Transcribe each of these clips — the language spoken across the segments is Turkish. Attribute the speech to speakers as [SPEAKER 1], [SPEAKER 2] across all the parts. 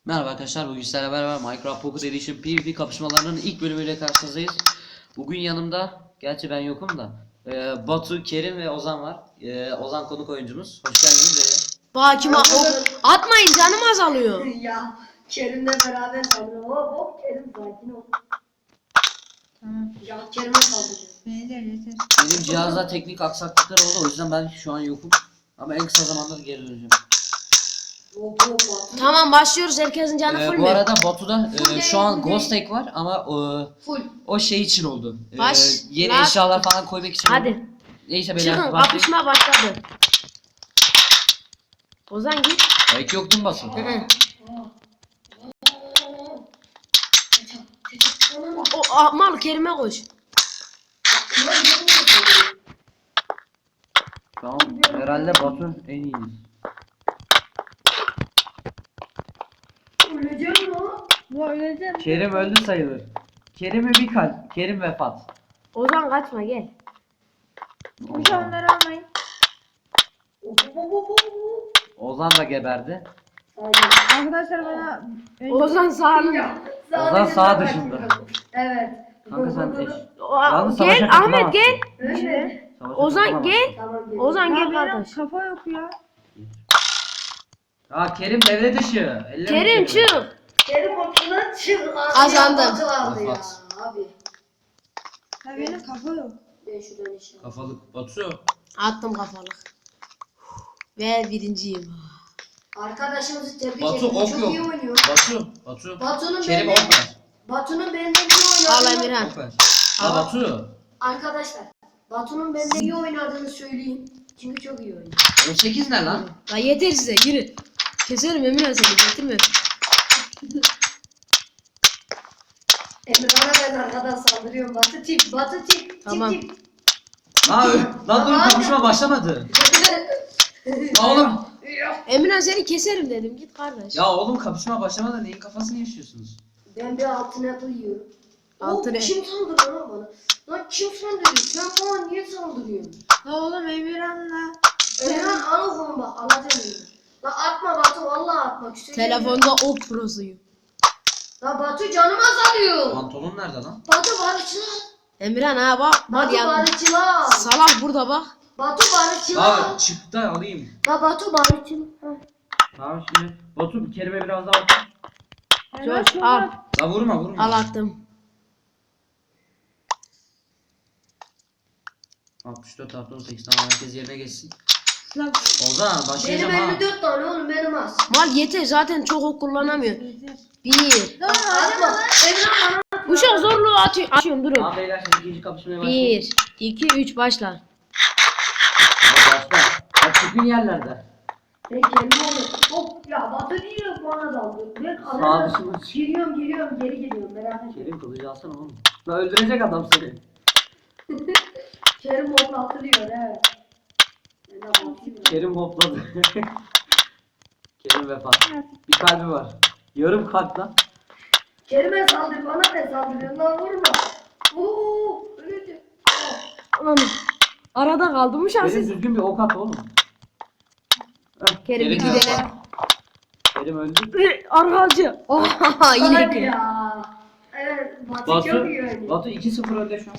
[SPEAKER 1] Merhaba arkadaşlar, bugün sizlerle beraber Minecraft Pocket Edition PvP kapışmalarının ilk bölümüyle karşınızdayız. Bugün yanımda, gerçi ben yokum da, Batu, Kerim ve Ozan var. Ozan konuk oyuncumuz. Hoş geldiniz.
[SPEAKER 2] Bakima atmayın, canım azalıyor.
[SPEAKER 3] Ya Kerim'le beraber saldırıyor. Hop Kerim sakin ol.
[SPEAKER 4] Tamam.
[SPEAKER 3] Ya Kerim'e saldırıyor.
[SPEAKER 4] Yeter.
[SPEAKER 1] Benim cihazda teknik aksaklıklar oldu, o yüzden ben şu an yokum. Ama en kısa zamanda geri döneceğim.
[SPEAKER 3] Hop hop hop.
[SPEAKER 2] Tamam, başlıyoruz. Herkesin canı full
[SPEAKER 1] Bu
[SPEAKER 2] mü?
[SPEAKER 1] arada Batu'da şu an
[SPEAKER 3] full
[SPEAKER 1] Ghost Egg var ama
[SPEAKER 3] Full.
[SPEAKER 1] o şey için oldu. Yeni
[SPEAKER 2] Başla.
[SPEAKER 1] eşyalar falan koymak için oldu.
[SPEAKER 2] Hadi.
[SPEAKER 1] Neyse beyler,
[SPEAKER 2] Çıkın,
[SPEAKER 1] başlayın.
[SPEAKER 2] kapışma başladı. Ozan git.
[SPEAKER 1] Belki yok değil mi Batu?
[SPEAKER 2] Hı hı.
[SPEAKER 3] Anam.
[SPEAKER 2] Mal Kerim'e koş.
[SPEAKER 1] Tamam, herhalde Batu en iyisi.
[SPEAKER 3] Öleceğim mi o?
[SPEAKER 4] Bu öylece.
[SPEAKER 1] Kerim öldü sayılır. Kerim'e bir kalp. Kerim vefat.
[SPEAKER 2] Ozan kaçma, gel.
[SPEAKER 4] Şu onları almayın.
[SPEAKER 3] Hop hop hop hop.
[SPEAKER 1] Ozan da geberdi.
[SPEAKER 4] Arkadaşlar bana
[SPEAKER 2] Ozan sağlı.
[SPEAKER 3] Ya,
[SPEAKER 1] Ozan
[SPEAKER 3] sadece
[SPEAKER 1] sağ
[SPEAKER 3] ben
[SPEAKER 1] dışında.
[SPEAKER 3] bakıyorum. Evet.
[SPEAKER 1] Kanka sen eş. Yalnız savaşa
[SPEAKER 2] Gel
[SPEAKER 1] katılamazsın.
[SPEAKER 2] Ahmet, gel.
[SPEAKER 3] Öyle.
[SPEAKER 1] Savaşa
[SPEAKER 2] Ozan
[SPEAKER 1] katılamazsın.
[SPEAKER 2] gel.
[SPEAKER 3] Tamam gel.
[SPEAKER 2] Ozan
[SPEAKER 4] Ya
[SPEAKER 2] gel
[SPEAKER 4] benim
[SPEAKER 2] kardeş.
[SPEAKER 4] kafa yok ya.
[SPEAKER 1] Ya Kerim devre dışı. Elleme
[SPEAKER 2] Kerim
[SPEAKER 1] Kerim'i.
[SPEAKER 2] çık.
[SPEAKER 3] Kerim ortadan çık.
[SPEAKER 2] Kazandım.
[SPEAKER 3] Batı ya.
[SPEAKER 1] Vefat.
[SPEAKER 3] Abi.
[SPEAKER 4] Ya benim kafa yok.
[SPEAKER 3] Ben şuradan işe.
[SPEAKER 1] Kafalık Batu.
[SPEAKER 2] Attım kafalık. Ve birinciyim.
[SPEAKER 3] Arkadaşımızı tebrik
[SPEAKER 1] Batu,
[SPEAKER 3] ederim.
[SPEAKER 1] ok
[SPEAKER 3] Çok
[SPEAKER 1] yok.
[SPEAKER 3] iyi oynuyor.
[SPEAKER 1] Batu.
[SPEAKER 3] Batu'nun
[SPEAKER 1] Kerim
[SPEAKER 3] benden,
[SPEAKER 1] ok ver.
[SPEAKER 3] Batu'nun benden iyi
[SPEAKER 2] Al
[SPEAKER 3] oynadığını
[SPEAKER 2] Emirhan.
[SPEAKER 1] Ok ver. Ha Batu.
[SPEAKER 3] arkadaşlar. Batu'nun benden iyi oynadığını söyleyeyim. Çünkü çok iyi oynuyor.
[SPEAKER 1] 18 ne lan?
[SPEAKER 2] La yeter size, yürü. Keserim Emirhan, seni getirme.
[SPEAKER 3] Emirhan'a ben arkadan saldırıyorum. Batı tip.
[SPEAKER 2] Tamam.
[SPEAKER 3] Tip.
[SPEAKER 1] Ha lan dur, kapışma başlamadı. Ya oğlum.
[SPEAKER 2] Emirhan, seni keserim dedim, git kardeş.
[SPEAKER 1] Ya oğlum, kapışma başlamadan neyin kafasını yaşıyorsunuz?
[SPEAKER 3] Ben bir altın apple yiyorum.
[SPEAKER 2] Altın
[SPEAKER 3] Kim saldırıyor lan bana? Lan kim saldırıyor? Sen bana niye saldırıyorsun?
[SPEAKER 4] Ya oğlum Emirhan'la.
[SPEAKER 3] Emirhan al oğlum bak. Alacağım Emirhan. Lan atma Batu, vallahi atma.
[SPEAKER 2] Telefonda o prosuyum.
[SPEAKER 3] Lan Batu canım azalıyor.
[SPEAKER 1] Pantolon nerede lan?
[SPEAKER 3] Batu barışçılar.
[SPEAKER 2] Emirhan ha bak
[SPEAKER 3] Batu
[SPEAKER 2] ya.
[SPEAKER 3] barışçılar.
[SPEAKER 2] Salak burada bak.
[SPEAKER 3] Batu barışçılar.
[SPEAKER 1] Ha çıktı, alayım.
[SPEAKER 3] La Batu barışçılar.
[SPEAKER 1] Tamam şimdi. Batu bir Kerim'e biraz daha at.
[SPEAKER 2] Coş al.
[SPEAKER 1] La vurma.
[SPEAKER 2] Al attım.
[SPEAKER 1] 64 artı 18, tamam, herkes yerine geçsin.
[SPEAKER 4] Lan
[SPEAKER 1] Ozan
[SPEAKER 3] Benim
[SPEAKER 1] başlayacağım ha.
[SPEAKER 3] 54 tane oğlum, benim az.
[SPEAKER 2] Mal yeter, zaten çok ok kullanamıyor.
[SPEAKER 4] yeter.
[SPEAKER 2] Bir.
[SPEAKER 3] Atma. Emirhan bana.
[SPEAKER 2] Uşak zorluğu açıyorum, durun.
[SPEAKER 1] Tamam beyler, şimdi ikinci kapışmaya başlayalım.
[SPEAKER 2] 1, 2, 3 başla.
[SPEAKER 1] Başla. Bak çıkın yerlerde.
[SPEAKER 3] Ben kendim alıyorum. Hop ya Batu diyor bana daldı. Ben
[SPEAKER 1] Sağ
[SPEAKER 3] arada
[SPEAKER 1] dışına çık.
[SPEAKER 3] giriyorum geri geliyorum merak etme.
[SPEAKER 1] Kerim kılıcı alsana oğlum. La öldürecek adam seni.
[SPEAKER 3] Kerim hoplatılıyor he. Ben de bakayım.
[SPEAKER 1] Kerim hopladı. Kerim vefat. Bir kalbi var. Yarım kalp lan.
[SPEAKER 3] Kerim'e saldır, bana ne saldırıyorsun lan, vurma. Uuu öldü.
[SPEAKER 2] Anam. Arada kaldım uşak
[SPEAKER 1] Kerim
[SPEAKER 2] siz.
[SPEAKER 1] düzgün bir ok at oğlum. Heh,
[SPEAKER 2] Kerim bir
[SPEAKER 1] vefat.
[SPEAKER 2] gidelim.
[SPEAKER 1] Kerim öldü.
[SPEAKER 2] Arkacı. Oha yine
[SPEAKER 3] Hadi
[SPEAKER 2] ki.
[SPEAKER 3] ya. Evet Batu
[SPEAKER 1] Batu,
[SPEAKER 3] çok iyi oynuyor.
[SPEAKER 1] Batu 2-0 önde şu an.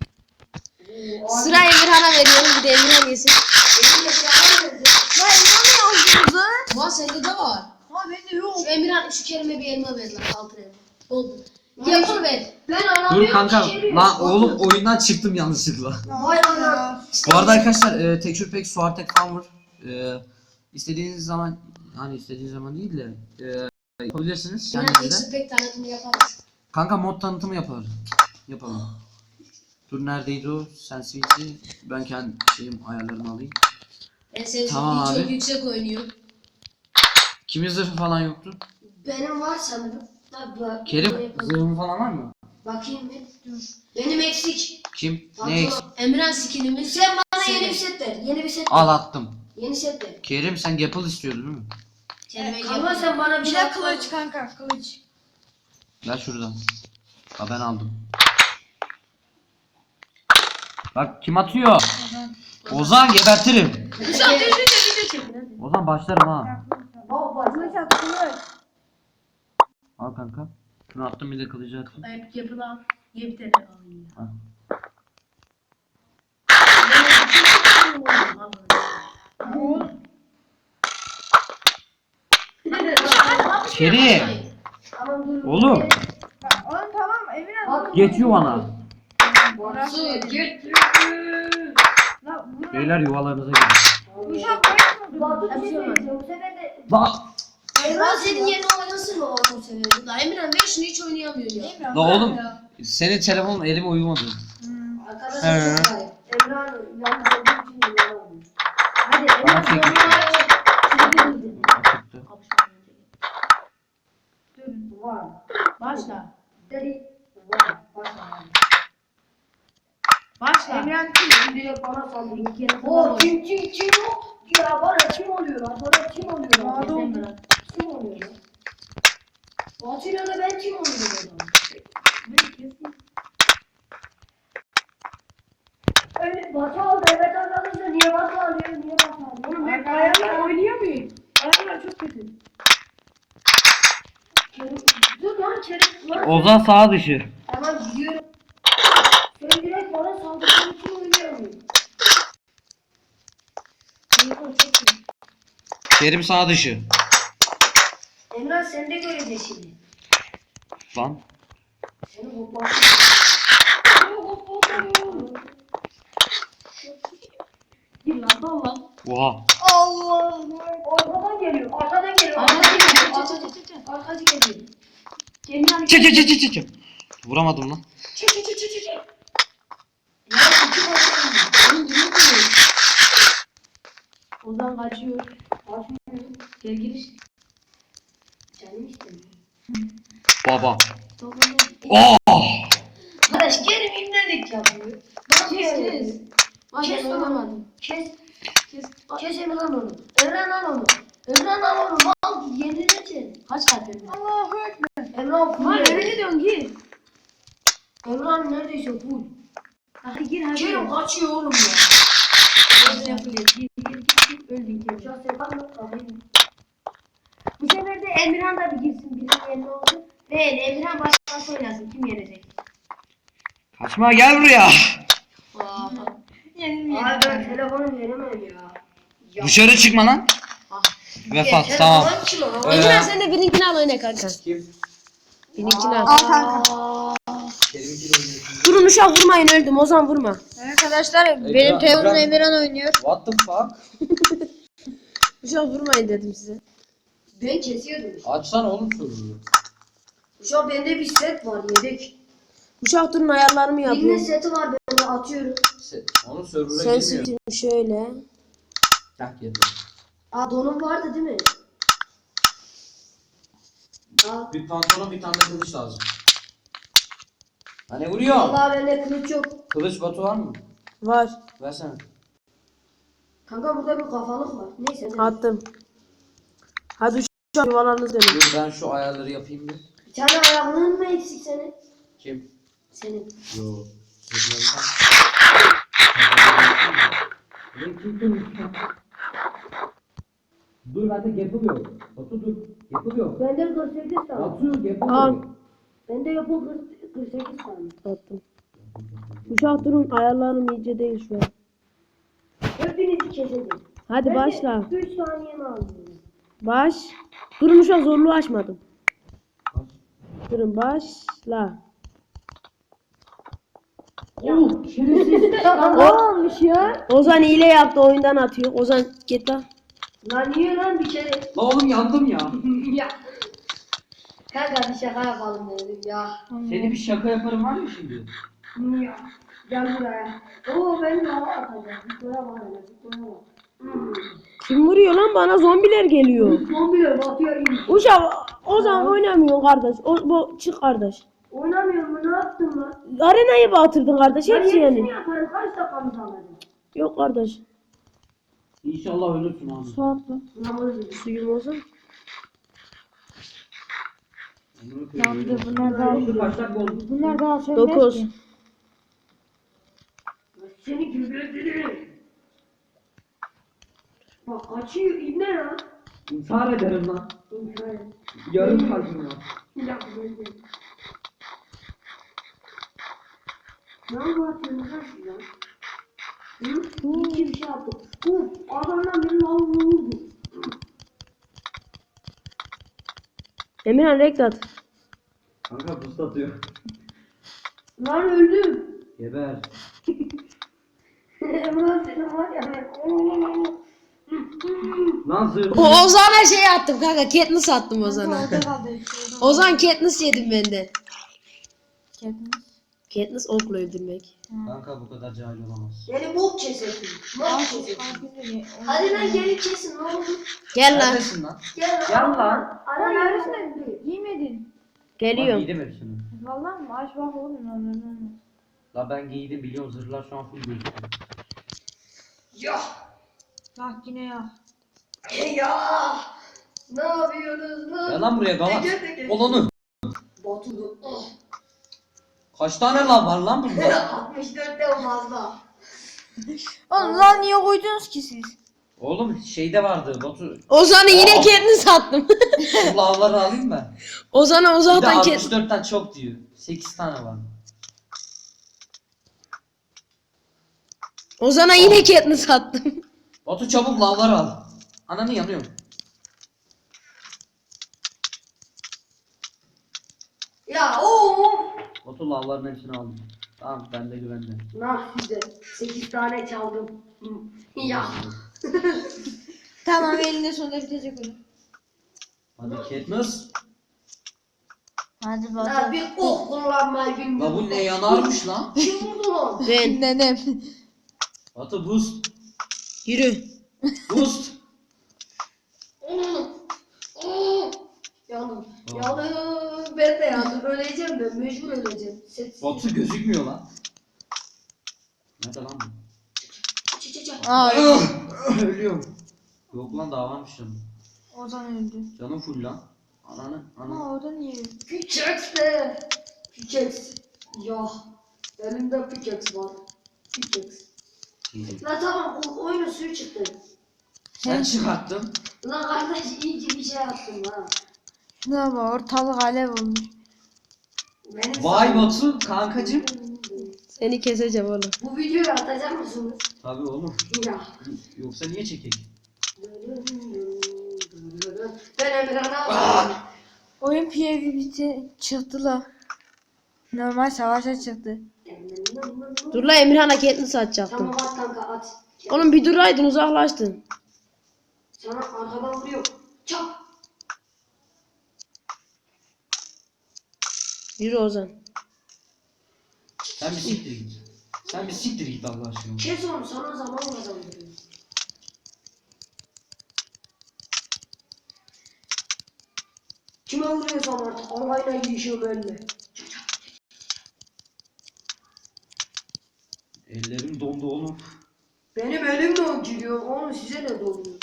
[SPEAKER 3] Oo,
[SPEAKER 2] Sıra Emirhan'a veriyorum, bir de Emirhan yesin.
[SPEAKER 3] Benim yaşamam nerede?
[SPEAKER 2] La Emirhan ne yazdınız lan? Mal sende de var.
[SPEAKER 4] Ha bende yok.
[SPEAKER 2] Şu Emirhan, şu Kerim'e bir elma ver lan, altın elma. Oldu. Yapıl ver.
[SPEAKER 3] Ben alamıyorum.
[SPEAKER 1] Dur kanka.
[SPEAKER 3] Kerim.
[SPEAKER 1] Lan oğlum oyundan çıktım yanlışlıkla.
[SPEAKER 3] Vay ana.
[SPEAKER 1] Bu arada arkadaşlar Texture Pack, Suartek falan var. İstediğiniz zaman, hani istediğiniz zaman değil de yapabilirsiniz
[SPEAKER 2] Emirhan
[SPEAKER 1] kendinize.
[SPEAKER 2] eksik pek tanıtımı yaparız.
[SPEAKER 1] Kanka mod tanıtımı yapalım. Dur neredeydi o? Sensitivity. Ben kendi ayarlarını alayım. Tamam
[SPEAKER 2] Tamam
[SPEAKER 1] abi.
[SPEAKER 2] çok yüksek oynuyor.
[SPEAKER 1] Kimin zırhı falan yoktu?
[SPEAKER 3] Benim var sanırım. Tabii bak.
[SPEAKER 1] Kerim zırhın falan var mı?
[SPEAKER 3] Bakayım bir. Dur. Benim eksik.
[SPEAKER 1] Kim?
[SPEAKER 3] Batu.
[SPEAKER 1] Ne eksik?
[SPEAKER 2] Emirhan skinimiz.
[SPEAKER 3] Sen bana
[SPEAKER 2] Senin.
[SPEAKER 3] yeni bir set ver. Yeni bir set ver.
[SPEAKER 1] Al attım.
[SPEAKER 3] Yeni set ver.
[SPEAKER 1] Kerim sen Gapple istiyordun değil mi?
[SPEAKER 2] Kelime
[SPEAKER 3] Kanka sen bana bir
[SPEAKER 4] Bir
[SPEAKER 3] şey
[SPEAKER 4] de
[SPEAKER 3] yapma.
[SPEAKER 4] kılıç kanka kılıç.
[SPEAKER 1] Ver şuradan. Ha ben aldım. Bak kim atıyor? Ozan gebertirim.
[SPEAKER 2] Uşak düzgünce video çekin hadi. Ozan
[SPEAKER 1] Ozan başlarım ha.
[SPEAKER 3] Baba bak.
[SPEAKER 4] Kılıç at kılıç.
[SPEAKER 1] Al kanka. Şunu attım bir de kılıcı attım.
[SPEAKER 4] Hep yapılan yepyeni alayım.
[SPEAKER 1] Al. Kerim.
[SPEAKER 3] Tamam dur.
[SPEAKER 1] Oğlum.
[SPEAKER 4] Oğlum tamam Emirhan.
[SPEAKER 1] Geç yuvana.
[SPEAKER 3] Batu git.
[SPEAKER 4] La bunu
[SPEAKER 1] Beyler yuvalarınıza gidin.
[SPEAKER 4] uşak koymadı.
[SPEAKER 3] Batu bir şey
[SPEAKER 2] Hepsi var.
[SPEAKER 3] söyleyeceğim. Bu sefer de
[SPEAKER 1] Bak.
[SPEAKER 2] Emrah senin yerine oynasın mı Batu seviyordu da. Emirhan ben şunu hiç oynayamıyor ya.
[SPEAKER 4] Emirhan.
[SPEAKER 1] La oğlum.
[SPEAKER 4] ya.
[SPEAKER 1] Senin telefonun elime uyumadı.
[SPEAKER 2] Arkadaşlar çok gayet.
[SPEAKER 3] Emrah yalnız olduğu için yalan. Hadi
[SPEAKER 1] Bana
[SPEAKER 3] Emrah
[SPEAKER 1] çek.
[SPEAKER 3] sonra
[SPEAKER 1] Açıktı.
[SPEAKER 3] var.
[SPEAKER 4] Başla.
[SPEAKER 3] Dedi var. Başla.
[SPEAKER 4] Başla. Emirhan
[SPEAKER 3] Şimdi bana saldırıyor. Bir kere o kim yok? Ya bana kim oluyor lan? Bana kim oluyor lan?
[SPEAKER 4] Bana oldu.
[SPEAKER 3] Kim oluyor lan? Batu'yla da ben kim oluyorum? Öyle Batu aldı. Evet arkadaşlar niye Batu alıyor? Niye Batu alıyor?
[SPEAKER 4] Oğlum ben ayarlar oynayamıyorum. Ayarlar çok kötü.
[SPEAKER 3] Dur lan Kerim. Lan
[SPEAKER 1] Ozan sağ dışı.
[SPEAKER 3] tamam gidiyorum. Sen direkt bana saldırdığın için oynayamıyorum. Telefon çok iyi.
[SPEAKER 1] Kerim sağ dışı.
[SPEAKER 3] Emrah sen de göreceksin şimdi.
[SPEAKER 1] Lan.
[SPEAKER 3] Seni hoplatayım. Gir lan dal lan.
[SPEAKER 1] Oha.
[SPEAKER 3] Allah. Arkadan geliyor. Arkadan geliyor. Arkadan geliyor. Arkacı geliyor. Cemil
[SPEAKER 1] Çek çek çek çek çek. Vuramadım lan.
[SPEAKER 3] Çek. Ya iki bakıyorum. Oğlum yürü geliyor.
[SPEAKER 4] Ozan kaçıyor.
[SPEAKER 3] Açmıyor.
[SPEAKER 4] Gel giriş.
[SPEAKER 3] Canım istemiyor.
[SPEAKER 1] Baba.
[SPEAKER 3] Tamam.
[SPEAKER 1] Oh.
[SPEAKER 3] Arkadaş gelin imledik yapıyor. Bak
[SPEAKER 2] Kes. Bak
[SPEAKER 3] Kes
[SPEAKER 2] ben
[SPEAKER 3] lan.
[SPEAKER 2] oynamadım.
[SPEAKER 3] Kes. Kes Emran onu. Emran al onu. Emran al onu. Mal yenileceksin.
[SPEAKER 2] Kaç kalp Emrah?
[SPEAKER 4] Allahu ekber.
[SPEAKER 3] Emran
[SPEAKER 4] Lan
[SPEAKER 3] full.
[SPEAKER 4] nereye gidiyorsun gir.
[SPEAKER 3] Emran neredeyse full.
[SPEAKER 4] Hadi gir hadi.
[SPEAKER 3] Kerim kaçıyor oğlum ya.
[SPEAKER 4] Nasıl yapılıyor? Gir. Öldün Kerim.
[SPEAKER 3] Uçak sefer yok kalayım. Bu sefer de Emirhan da bir girsin. Birinin yerine olsun. Değil Emirhan başkası oynasın. Kim yenecek?
[SPEAKER 1] Kaçma gel buraya.
[SPEAKER 4] Yenilmeyelim.
[SPEAKER 3] Abi ben telefonu veremem ya.
[SPEAKER 1] Dışarı çıkma lan. Vefat tamam.
[SPEAKER 2] Emirhan sen de benimkini al oyna kanka.
[SPEAKER 1] Kim?
[SPEAKER 2] Benimkini al.
[SPEAKER 4] Al kanka.
[SPEAKER 2] Durun uşak vurmayın öldüm. Ozan vurma.
[SPEAKER 4] Arkadaşlar
[SPEAKER 1] benim telefonum
[SPEAKER 4] Emirhan oynuyor.
[SPEAKER 1] What the fuck?
[SPEAKER 2] Uşak vurmayın dedim size.
[SPEAKER 3] Ben kesiyordum.
[SPEAKER 1] Açsana oğlum soruyu.
[SPEAKER 3] Şu an bende bir set var yedek.
[SPEAKER 2] Uşak durun ayarlarımı
[SPEAKER 3] Birinin
[SPEAKER 2] yapıyorum.
[SPEAKER 3] seti var bende atıyorum.
[SPEAKER 1] Onun server'a
[SPEAKER 2] Sen
[SPEAKER 1] girmiyor.
[SPEAKER 2] seçin şöyle.
[SPEAKER 1] Kalk yerine.
[SPEAKER 3] Aa donum vardı değil mi? Aa.
[SPEAKER 1] Bir pantolon bir tane de kılıç lazım. Hani vuruyor?
[SPEAKER 3] Vallahi bende kılıç yok.
[SPEAKER 1] Kılıç Batu var mı?
[SPEAKER 2] Var.
[SPEAKER 1] Versene.
[SPEAKER 3] Kanka burada bir kafalık var. Neyse.
[SPEAKER 2] Attım. Hadi uşak yuvalarınız dönün.
[SPEAKER 1] Dur ben şu ayarları yapayım bir.
[SPEAKER 3] Bir tane ayağının mı eksik senin?
[SPEAKER 1] Kim?
[SPEAKER 3] Senin.
[SPEAKER 1] Yo. Dur bende yapılıyor. Batu dur. Yapılıyor.
[SPEAKER 3] Bende 48 tane.
[SPEAKER 1] Batu
[SPEAKER 2] Al.
[SPEAKER 1] yapılıyor.
[SPEAKER 3] Bende yapı 48 tane.
[SPEAKER 2] Attım. Uşak durun ayarlarım iyice değil şu an.
[SPEAKER 3] Hepinizi kesedim.
[SPEAKER 2] Hadi başla.
[SPEAKER 3] 3 saniyemi alıyorum.
[SPEAKER 2] Baş. Durun uşak zorluğu açmadım. Durun başla.
[SPEAKER 3] Ne olmuş ya?
[SPEAKER 2] Ozan hile yaptı oyundan atıyor. Ozan git lan.
[SPEAKER 3] Lan niye lan bir kere?
[SPEAKER 1] La oğlum yandım ya.
[SPEAKER 3] Ya. Kanka bir şaka yapalım dedim ya.
[SPEAKER 1] Seni bir şaka yaparım var mı şimdi?
[SPEAKER 3] Ya. Gel buraya. Oo ben de hava atacağım. Zıplaya bak hele zıplaya bak.
[SPEAKER 2] Kim vuruyor lan bana zombiler geliyor.
[SPEAKER 3] Zombiler batıyor iyi.
[SPEAKER 2] Uşak Ozan oynamıyor kardeş. Bu çık kardeş.
[SPEAKER 3] Oynamıyor mu? Ne yaptın lan?
[SPEAKER 2] Arenayı batırdın kardeş
[SPEAKER 3] Ben
[SPEAKER 2] hepsi
[SPEAKER 3] yenisini
[SPEAKER 2] yani.
[SPEAKER 3] yaparım. Kaç dakikamız alacak?
[SPEAKER 2] Yok kardeş.
[SPEAKER 1] İnşallah ölürsün abi.
[SPEAKER 2] Su atla.
[SPEAKER 3] Namazı.
[SPEAKER 2] Suyum olsun.
[SPEAKER 4] Yandı bunlar daha.
[SPEAKER 1] Kaç dakika oldu?
[SPEAKER 4] Bunlar daha sönmez
[SPEAKER 2] 9.
[SPEAKER 4] ki.
[SPEAKER 3] Seni gübreledim. Bak kaçıyor. İbne lan.
[SPEAKER 1] İntihar ederim lan.
[SPEAKER 3] İntihar.
[SPEAKER 1] Yarım kalbim var.
[SPEAKER 3] Bir dakika böyle. Ne anlatıyorsun lan siz lan? Hı? İki bir şey yaptım. Adamdan biri lan vurdu.
[SPEAKER 2] Emirhan renk at.
[SPEAKER 1] Kanka buz atıyor.
[SPEAKER 3] Lan öldüm.
[SPEAKER 1] Geber.
[SPEAKER 3] Emirhan senin var ya ben.
[SPEAKER 1] Lan zırh.
[SPEAKER 2] Ozan'a şey attım kanka. Katniss attım Ozan'a.
[SPEAKER 4] Orada kaldı.
[SPEAKER 2] Ozan Katniss yedim benden.
[SPEAKER 4] Katniss.
[SPEAKER 2] Katniss okla öldürmek.
[SPEAKER 1] Kanka bu kadar cahil olamaz.
[SPEAKER 3] Beni bok kesesin. Bok kesesin.
[SPEAKER 4] Farkında
[SPEAKER 3] Hadi lan geri kesin ne olur.
[SPEAKER 2] Gel lan.
[SPEAKER 1] Neredesin lan?
[SPEAKER 3] Gel
[SPEAKER 1] Gel lan.
[SPEAKER 3] Ara
[SPEAKER 4] Lan
[SPEAKER 3] neredesin?
[SPEAKER 4] neredesin? Giymedin.
[SPEAKER 1] Bak
[SPEAKER 2] Geliyorum.
[SPEAKER 1] giydim hepsini.
[SPEAKER 4] Vallahi mı? Aç bak oğlum lan.
[SPEAKER 1] La ben giydim biliyorum zırhlar şu an full gözüküyor.
[SPEAKER 3] Ya.
[SPEAKER 4] Bak yine ya.
[SPEAKER 3] Ya. Ne yapıyorsunuz lan?
[SPEAKER 1] Gel lan buraya gavat.
[SPEAKER 3] Teker.
[SPEAKER 1] Ol onu.
[SPEAKER 3] Batu'du.
[SPEAKER 1] Kaç tane lan var lan bunda?
[SPEAKER 3] 64'te fazla.
[SPEAKER 4] Oğlum lan niye koydunuz ki siz?
[SPEAKER 1] Oğlum şeyde vardı Batu.
[SPEAKER 2] Ozan'ı yine
[SPEAKER 1] Aa.
[SPEAKER 2] Katniss attım.
[SPEAKER 1] Şu lavları alayım ben.
[SPEAKER 2] Ozan'a
[SPEAKER 1] Bir de
[SPEAKER 2] zaten Katniss.
[SPEAKER 1] 64'ten çok diyor. 8 tane var.
[SPEAKER 2] Ozan'a yine Katniss attım.
[SPEAKER 1] Batu çabuk lavları al. Ananı yanıyorum.
[SPEAKER 3] Ya ooo.
[SPEAKER 1] Batu lavların hepsini aldım. Tamam ben de güvende.
[SPEAKER 3] Nah size 8 tane çaldım. Hı. Ya.
[SPEAKER 4] Tamam elinde sonunda bitecek öyle.
[SPEAKER 1] Hadi Katniss.
[SPEAKER 4] Hadi
[SPEAKER 3] Ya
[SPEAKER 4] bakalım.
[SPEAKER 3] bir ok kullanmayı
[SPEAKER 1] La
[SPEAKER 3] bilmiyorum.
[SPEAKER 1] bu ne yanarmış lan?
[SPEAKER 3] Kim vurdu lan?
[SPEAKER 2] Ben.
[SPEAKER 4] Nenem.
[SPEAKER 1] Batu boost.
[SPEAKER 2] Yürü.
[SPEAKER 1] Boost.
[SPEAKER 3] Yandım. Yandım. Ben de yandım. Öleceğim ben. Mecbur öleceğim. Set.
[SPEAKER 1] Batu gözükmüyor lan. Nerede lan bu?
[SPEAKER 4] Aa
[SPEAKER 1] Ölüyorum. Yok lan daha varmış canım.
[SPEAKER 4] Ozan öldü.
[SPEAKER 1] Canım full lan. Ananı.
[SPEAKER 4] Ama orada niye öldü?
[SPEAKER 3] Pickaxe de. Pickaxe. Ya. Elimde pickaxe var. Pickaxe. La tamam oyunun suyu çıktı.
[SPEAKER 1] Sen çıkarttın.
[SPEAKER 3] Lan kardeş iyi ki bir şey yaptım ha.
[SPEAKER 4] Şuna bak ortalık alev olmuş.
[SPEAKER 3] Benim
[SPEAKER 1] Vay
[SPEAKER 3] sana-
[SPEAKER 1] Batu kankacım.
[SPEAKER 2] Seni keseceğim oğlum.
[SPEAKER 3] Bu videoyu atacak mısınız?
[SPEAKER 1] Tabii oğlum.
[SPEAKER 3] Ya.
[SPEAKER 1] Yoksa niye çekek?
[SPEAKER 3] Ben Emirhan'a
[SPEAKER 4] Oyun PvP çıktı la. Normal savaşa çıktı.
[SPEAKER 2] Dur la Emirhan'a Katniss atacaktım.
[SPEAKER 3] Tamam at kanka at.
[SPEAKER 2] Oğlum bir duraydın uzaklaştın.
[SPEAKER 3] Sana arkadan vuruyor. Çap.
[SPEAKER 2] Yürü Ozan.
[SPEAKER 1] Sen bir siktir git. Sen bir siktir git Allah aşkına.
[SPEAKER 3] Kes onu sana zaman kazandırıyor. Kime vuruyorsam artık Allah'ıyla girişiyorum önüne.
[SPEAKER 1] Ellerim dondu oğlum.
[SPEAKER 3] Benim elim de giriyor. Onu size ne doluyor?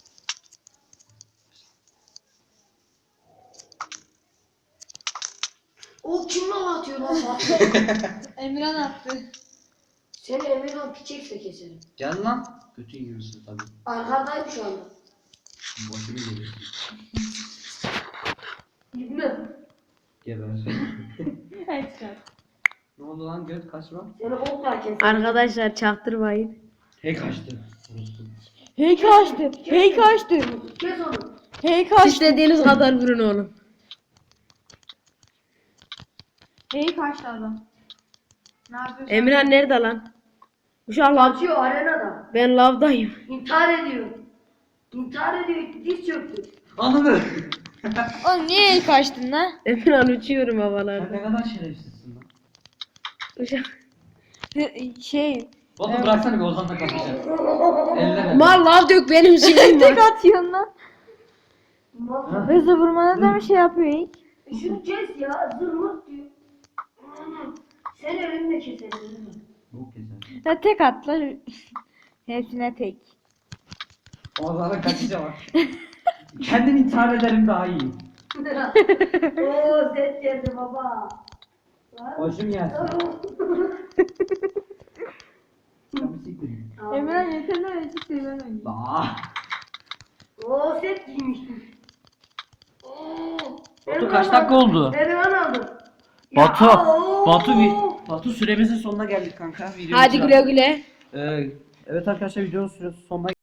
[SPEAKER 3] O kim lan atıyor lan Fatih?
[SPEAKER 4] Emirhan attı.
[SPEAKER 3] Seni Emirhan piçekse keserim.
[SPEAKER 1] Gel lan. Götün yiyorsun tabii.
[SPEAKER 3] Arkadayım şu anda.
[SPEAKER 1] Başımı geliyor.
[SPEAKER 3] İbni.
[SPEAKER 1] Geber.
[SPEAKER 4] Hadi çıkar.
[SPEAKER 1] Ne oldu lan göt kaçma?
[SPEAKER 3] Seni okla keserim.
[SPEAKER 2] Arkadaşlar çaktırmayın.
[SPEAKER 1] He kaçtı. Orospu.
[SPEAKER 4] Hey kaçtı. Hey kaçtı.
[SPEAKER 3] Kes onu.
[SPEAKER 4] Hey kaçtı.
[SPEAKER 2] İstediğiniz kadar vurun oğlum.
[SPEAKER 4] Hey kaçtı adam. Ne yapıyorsun?
[SPEAKER 2] Emirhan nerede lan? Uşak lav.
[SPEAKER 3] Atıyor arenada.
[SPEAKER 2] Ben lavdayım.
[SPEAKER 3] İntihar ediyor. İntihar ediyor. Diz çöktü.
[SPEAKER 1] Ananı.
[SPEAKER 4] Oğlum niye hey kaçtın lan?
[SPEAKER 2] Emirhan uçuyorum
[SPEAKER 1] Sen
[SPEAKER 2] havalarda.
[SPEAKER 1] ne kadar şerefsizsin lan.
[SPEAKER 2] Uşak.
[SPEAKER 4] Şey.
[SPEAKER 1] Batu bıraksana bir Ozan'la kapışacağım. Elleme.
[SPEAKER 2] Mal lav dök benim silahım
[SPEAKER 4] Tek
[SPEAKER 2] var.
[SPEAKER 4] atıyorsun lan.
[SPEAKER 3] Mal.
[SPEAKER 4] Hızlı vurmana da bir şey yapıyor ilk.
[SPEAKER 3] Şunu kes ya. Zırmık diyor. Sen elimle keserim.
[SPEAKER 1] Bu keser.
[SPEAKER 4] Ya tek at lan. Hepsine tek.
[SPEAKER 1] Ozan'a kaçacağım bak. Kendim intihar ederim daha iyi.
[SPEAKER 3] Oo set geldi baba.
[SPEAKER 1] Başım yersin. Sen bir siktir git.
[SPEAKER 4] Emirhan yeter lan açık seviyen oynuyor.
[SPEAKER 1] Aa.
[SPEAKER 3] Oo set giymiştim. Oo.
[SPEAKER 1] Batu Batu kaç dakika oldu?
[SPEAKER 3] Emirhan aldım.
[SPEAKER 1] Batu,
[SPEAKER 3] aa,
[SPEAKER 1] Batu süremizin sonuna geldik kanka. Videonun
[SPEAKER 4] Hadi
[SPEAKER 1] sonuna-
[SPEAKER 4] güle güle.
[SPEAKER 1] Evet arkadaşlar videonun sonuna